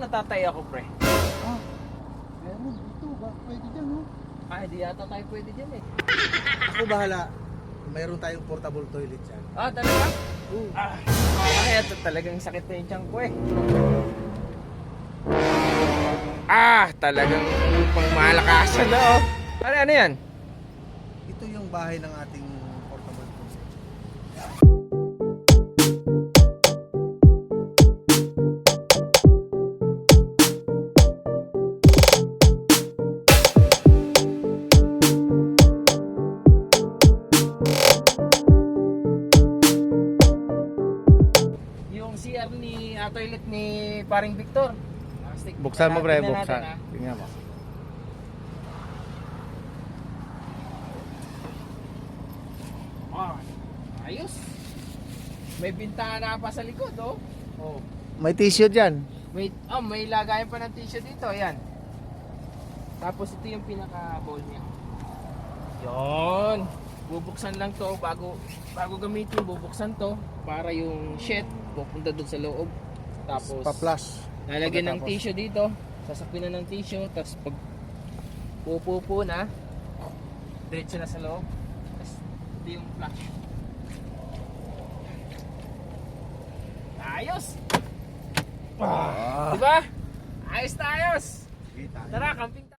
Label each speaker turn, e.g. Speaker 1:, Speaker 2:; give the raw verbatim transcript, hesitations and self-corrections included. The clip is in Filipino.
Speaker 1: natatay ako, pre.
Speaker 2: Ah, meron dito. Ba, pwede dyan, no?
Speaker 1: Ah, di yata tayo pwede dyan eh.
Speaker 2: Ako bahala. Mayroon tayong portable toilet dyan.
Speaker 1: Ah, talaga?
Speaker 2: Oo.
Speaker 1: Ah, kaya to talagang sakit na yung tiyan ko eh. Ah, talagang pang malakasan na oh. Ano, ano yan?
Speaker 2: Ito yung bahay ng ating portable toilet.
Speaker 1: Yung C R ni, ah, toilet ni paring Victor. Ah, stick-
Speaker 2: Buksan mo,
Speaker 1: ah,
Speaker 2: pre.
Speaker 1: tingnan natin,
Speaker 2: Buksan.
Speaker 1: ah.
Speaker 2: Tingnan mo.
Speaker 1: Ah, ayos. May bintana pa sa likod, oh. Oh.
Speaker 2: May tissue dyan.
Speaker 1: May, oh, may lagayan pa ng tissue dito, ayan. Tapos ito yung pinaka-bowl niya. Yon. Bubuksan lang to bago bago gamitin, bubuksan to para yung shit pupunta doon sa loob. Tapos
Speaker 2: Pa-flush.
Speaker 1: lalagyan ng
Speaker 2: Pagkatapos.
Speaker 1: tissue dito, sasakpin na ng tissue, tapos pag pupupo na, diretso na sa loob. Tapos ito yung flush. Ayos!
Speaker 2: Ah.
Speaker 1: Diba? Ayos na ayos!
Speaker 2: Kita.
Speaker 1: Tara, camping